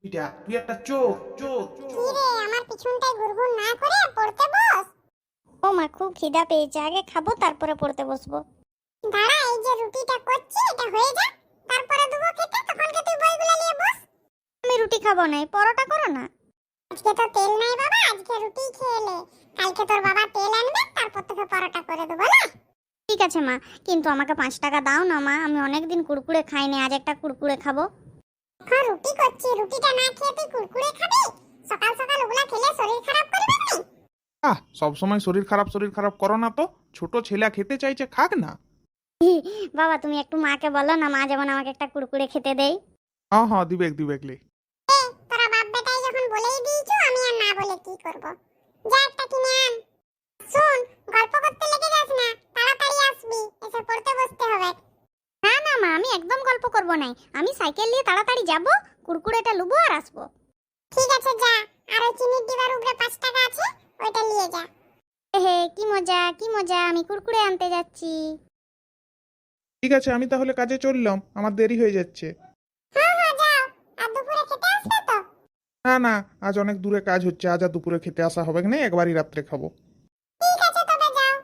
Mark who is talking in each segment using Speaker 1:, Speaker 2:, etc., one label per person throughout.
Speaker 1: এটা তুই একটা চোর চোর
Speaker 2: কি রে, আমার পিছনটায় ঘুরঘুর না করে পড়তে বস।
Speaker 3: ও মা, খুব খিদা পেয়েছে, আগে খাবো তারপরে পড়তে বসবো।
Speaker 2: দাঁড়া, এই যে রুটিটা করছি এটা হয়ে যা, তারপরে দেবো খেতে, তখন কে তুই বইগুলো নিয়ে বস।
Speaker 3: আমি রুটি খাবো না, পরোটা করো না।
Speaker 2: আজকে তো তেল নাই বাবা, আজকে রুটি খেয়ে নে। কালকে তোর বাবা তেল আনবে, তারপর তোকে পরোটা করে দেবো না।
Speaker 3: ঠিক আছে মা, কিন্তু আমাকে 5 টাকা দাও না মা, আমি অনেকদিন কুড়কুড়ে খাইনি, আজ একটা কুড়কুড়ে খাবো।
Speaker 2: হ্যাঁ, রুটি করছি, রুটিটা না খেয়ে তুই কুরকুরে খাবি? সকাল সকাল ওগুলা খেলে শরীর খারাপ করবে না।
Speaker 1: সব সময় শরীর খারাপ করো না তো। ছোট ছেলে খেতে চাইছে, খাক না।
Speaker 3: বাবা তুমি একটু মাকে বলো না, মা যেমন আমাকে একটা কুড়কুড়ে খেতে দেয়।
Speaker 1: হ্যাঁ হ্যাঁ, দিবেকলে।
Speaker 2: তোরা বাপ বেটাই যখন বলেই দিয়েছো, আমি আর না বলে কি করব? যা একটা কিনে আন। শুন, গল্প করতে লেগে যাস না, তাড়াতাড়ি আসবি, এসে পড়তে বসতে হবে।
Speaker 3: না না মা, আমি একদম গল্প করব না, আমি সাইকেল নিয়ে তাড়াতাড়ি যাব, কুড়কুড়েটা লুবো আর আসবো।
Speaker 2: ঠিক আছে যা, আর ওই চিনির ডিবার উপরে 5 টাকা আছে, ওইটা নিয়ে যা।
Speaker 3: হে কি মজা কি মজা, আমি কুড়কুড়ে আনতে যাচ্ছি।
Speaker 1: ঠিক আছে, আমি তাহলে কাজে চললাম, আমার দেরি হয়ে যাচ্ছে।
Speaker 2: হ্যাঁ হ্যাঁ যাও, আর দুপুরে খেতে আসবে তো?
Speaker 1: না না, আজ অনেক দূরে কাজ হচ্ছে, আজ আর দুপুরে খেতে আসা হবে না, একবারই রাত্রে খাবো।
Speaker 2: ঠিক আছে তবে যাও।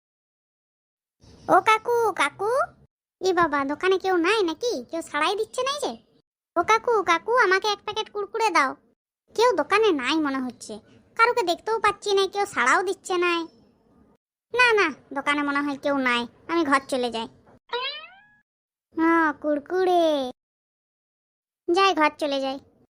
Speaker 3: ও কাকু কাকু, ই বাবা, দোকানে কেউ নাই নাকি? কেউ সাড়াই দিচ্ছে নাই যে? ও কাকু কাকু, আমাকে 1 প্যাকেট কুড়কুড়ে দাও। কেউ দোকানে নাই মনে হচ্ছে, কারুকে দেখতেও পাচ্ছি না, কেউ সাড়াও দিচ্ছে নাই। না না, দোকানে মনে হয় কেউ নাই, আমি ঘর চলে যাই। হ্যাঁ, কুড়কুড়ে, যাই, ঘর চলে যাই।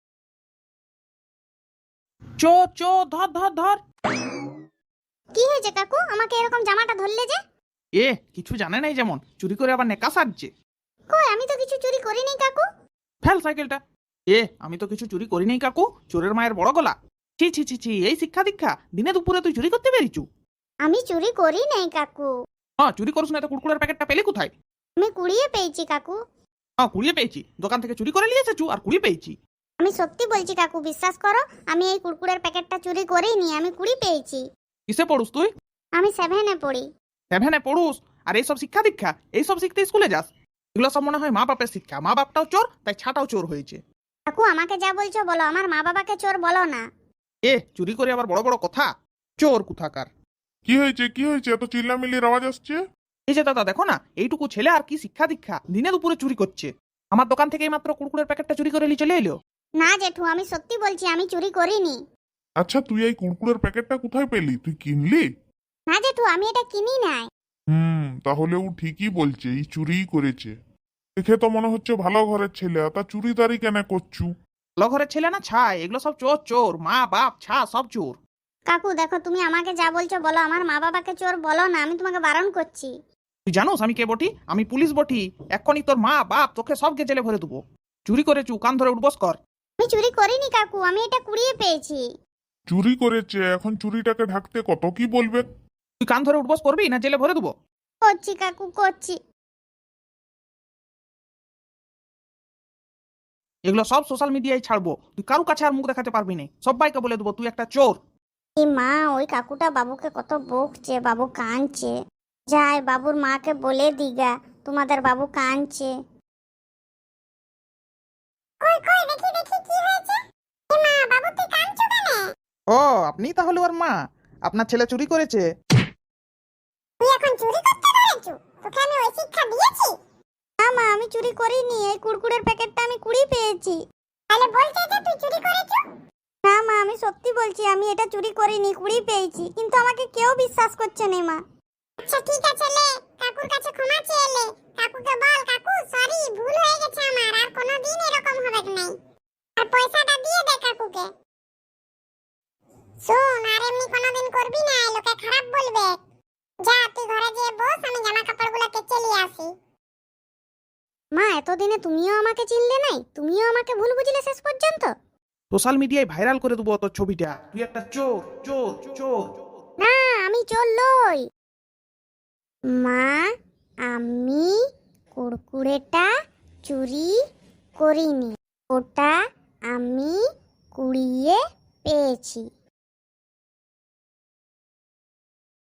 Speaker 1: চোর চোর, ধর ধর ধর।
Speaker 3: কি হয়েছে কাকু, আমাকে এরকম জামাটা ধরলে যে?
Speaker 1: কিছু জানে নাই, যেমন চুরি করে আবার নেকা সাজছে।
Speaker 3: কই, আমি তো কিছু চুরি করিনি কাকু।
Speaker 1: ফেল সাইকেলটা। আমি তো কিছু চুরি করি নাই কাকু, চোরের মায়ের বড় গলা। ছি ছি ছি ছি, এই শিক্ষা দীক্ষা, দিনে দুপুরে তুই চুরি করতে পেরেছু?
Speaker 3: আমি চুরি করি নাই কাকু,
Speaker 1: হ্যাঁ, চুরি করছ না তো কুড়কুড়ের প্যাকেটটা পেলে কোথায়?
Speaker 3: আমি কুড়িয়ে পেয়েছি কাকু।
Speaker 1: হ্যাঁ, কুড়িয়ে পেয়েছি, দোকান থেকে চুরি করে নিয়ে এসেছু আর কুড়িয়ে পেয়েছি।
Speaker 3: আমি সত্যি বলছি কাকু, বিশ্বাস করো, আমি এই কুড়কুড়ের প্যাকেটটা চুরি করিনি, আমি কুড়ি পেয়েছি।
Speaker 1: কিসে পড়ুস তুই?
Speaker 3: আমি 7-এ পড়ি।
Speaker 1: 7-এ পড়ুস? আর এইসব শিক্ষা দীক্ষা, এইসব শিখতে স্কুলে যাস? এগুলো সব মনে হয় মা বাপের শিক্ষা, মা বাপটাও চোর, তাই ছাটাও চোর হয়েছে।
Speaker 3: কাকু আমাকে যা বলছো বলো, আমার মা বাবাকে চোর বলো না।
Speaker 1: চুরি করে আবার বড় বড় কথা, চোর কোথাকার।
Speaker 4: কি হয়েছে এত চিল্লামিল্লির আওয়াজ আসছে?
Speaker 1: এই যে দাদা দেখো না, এইটুকু ছেলে আর কি শিক্ষা দীক্ষা, দিনে দুপুরে চুরি করছে। আমার দোকান থেকে মাত্র কুড়কুড়ের প্যাকেটটা চুরি করে নিয়ে চলে এলো।
Speaker 3: না জেঠু, আমি সত্যি বলছি, আমি চুরি করিনি।
Speaker 4: আচ্ছা, তুই এই কুরকুরের প্যাকেটটা কোথায় পেলি? তুই কিনলি?
Speaker 3: না জেঠু, আমি এটা কিনি নাই।
Speaker 4: তাহলে ও ঠিকই বলছে, এই চুরিই করেছে। দেখে তো মনে হচ্ছে ভালো ঘরের ছেলে, তা চুরিদারি কেন করছু?
Speaker 1: ভালো ঘরের ছেলে না ছাই, এগুলো সব চোর চোর, মা বাপ ছা সব চোর।
Speaker 3: কাকু দেখো, তুমি আমাকে যা বলছো বলো, আমার মা বাবাকে চোর বলো না, আমি তোমাকে বারণ করছি।
Speaker 1: তুই জানোস আমি কে বটি? আমি পুলিশ বটি, এক্ষুনি তোর মা বাপ তোকে সবকে জেলে ভরে দেবো। চুরি করেছু, কান ধরে উঠবস কর।
Speaker 3: আমি চুরি করিনি কাকু, আমি এটা কুড়িয়ে পেয়েছি।
Speaker 4: চুরি করেছে, এখন চুরিটাকে ঢাকতে কত কি বলবে?
Speaker 1: তুই কান ধরে উঠবস করবি না জেলে ভরে দেবো?
Speaker 3: করছি কাকু, করছি।
Speaker 1: এগুলো সব সোশ্যাল মিডিয়ায় ছাড়বো, তুই কারু কাছে আর মুখ দেখাতে পারবি না, সবাইকে বলে দেবো তুই একটা চোর।
Speaker 3: এই মা, ওই কাকুটা বাবুকে কত বকছে, বাবু কাঁদছে। যাই, বাবুর মাকে বলে দিগা, তোমাদের বাবু কাঁদছে।
Speaker 2: কই কই, দেখি দেখি কি হয়েছে। এ মা, বাবু তুই কাঁদছো কেন?
Speaker 1: ও, আপনি তাহলে ওর মা? আপনার ছেলে চুরি করেছে?
Speaker 2: তুই এখন চুরি করতে ধরেছু? তোকে আমি ওই শিক্ষা দিয়েছি?
Speaker 3: না মা, আমি চুরি করিনি, এই কুড়কুড়ের প্যাকেটটা আমি কুড়ি পেয়েছি।
Speaker 2: তাহলে বলছে যে তুই চুরি করেছু?
Speaker 3: না মা, আমি সত্যি বলছি, আমি এটা চুরি করিনি, কুড়ি পেয়েছি, কিন্তু আমাকে কেউ বিশ্বাস করছে না মা।
Speaker 2: আচ্ছা ঠিক আছে, লে কাকুর কাছে ক্ষমা চেয়ে লে। কাকুকে বল, কাকু সরি, ভুল হয়ে গেছে আমার, আর কোনোদিন এরকম হবে না। আর পয়সাটা দিয়ে দে কাকুকে। শোন, আর এমনি কোনোদিন করবি না, লোকে খারাপ বলবে। যা তুই ঘরে গিয়ে বস, আমি জামা কাপড়গুলো কেচে নিয়ে আসি।
Speaker 3: মা, এতদিনে তুমিও আমাকে চিনলে নাই? তুমিও আমাকে ভুল বুঝলে শেষ পর্যন্ত?
Speaker 1: সোশ্যাল মিডিয়ায় ভাইরাল করে দেবো তোর ছবিটা, তুই একটা চোর চোর চোর।
Speaker 3: না, আমি চোর লই। মা, আমি কুড়কুড়েটা চুরি করিনি, ওটা আমি কুড়িয়ে পেয়েছি।